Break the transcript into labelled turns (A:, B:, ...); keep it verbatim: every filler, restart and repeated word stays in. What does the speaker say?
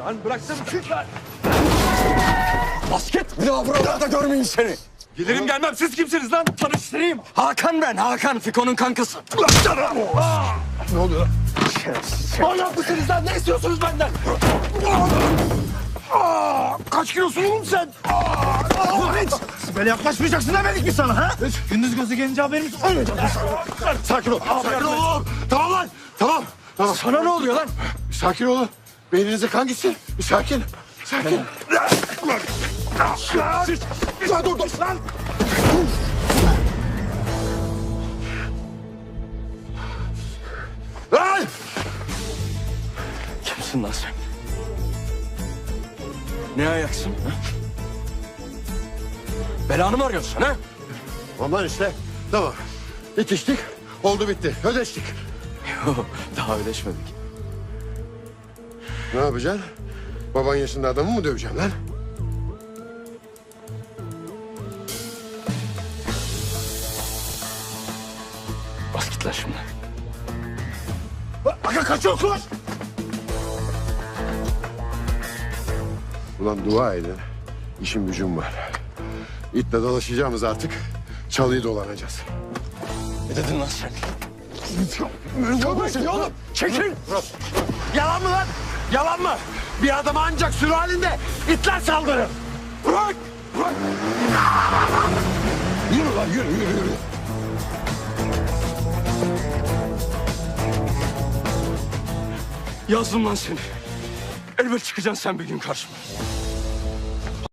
A: Lan bıraksana çık lan.
B: Basket. Bir daha buralarda görmeyeyim seni.
A: Gelirim gelmem. Siz kimsiniz lan?
B: Tanıştırayım. Hakan ben. Hakan. Fiko'nun kankası.
A: Ne oluyor?
B: Manyak mısınız lan? Ne istiyorsunuz benden?
A: Kaç kilosun oğlum sen?
B: Böyle yaklaşmayacaksın demedik mi sana ha?
A: Gündüz gözü gelince haberimiz olmayacak.
B: Sakin ol. Sakin ol oğlum. Tamam lan. Tamam. Tamam.
A: Sana ne oluyor lan?
B: Bir sakin olun. Beyninize kan gitsin. Bir sakin. Sakin. Lan dur dur lan. Lan!
A: Kimsin lan sen? Ne ayaksın? Ha? Belanı mı arıyorsun ha?
B: Aman işte. Tamam. İtiştik. Oldu bitti. Ödeştik.
A: Yok, daha ödeşmedik.
B: Ne yapacaksın? Baban yaşında adamı mı döveceksin lan?
A: Bas git lan şimdi.
B: Aga kaçıyor koş! Ulan dua edin. İşim gücüm var. İtle dolaşacağımız artık. Çalıyı dolanacağız.
A: Ne dedin lan sen?
B: Çabuk oğlum!
A: Çekil! Yalan mı lan? Yalan mı?
B: Bir adama ancak sürü halinde itler saldırır.
A: Bırak! Bırak!
B: Yürü lan yürü yürü yürü.
A: Yazdım lan seni. Elbet çıkacaksın sen bir gün karşıma.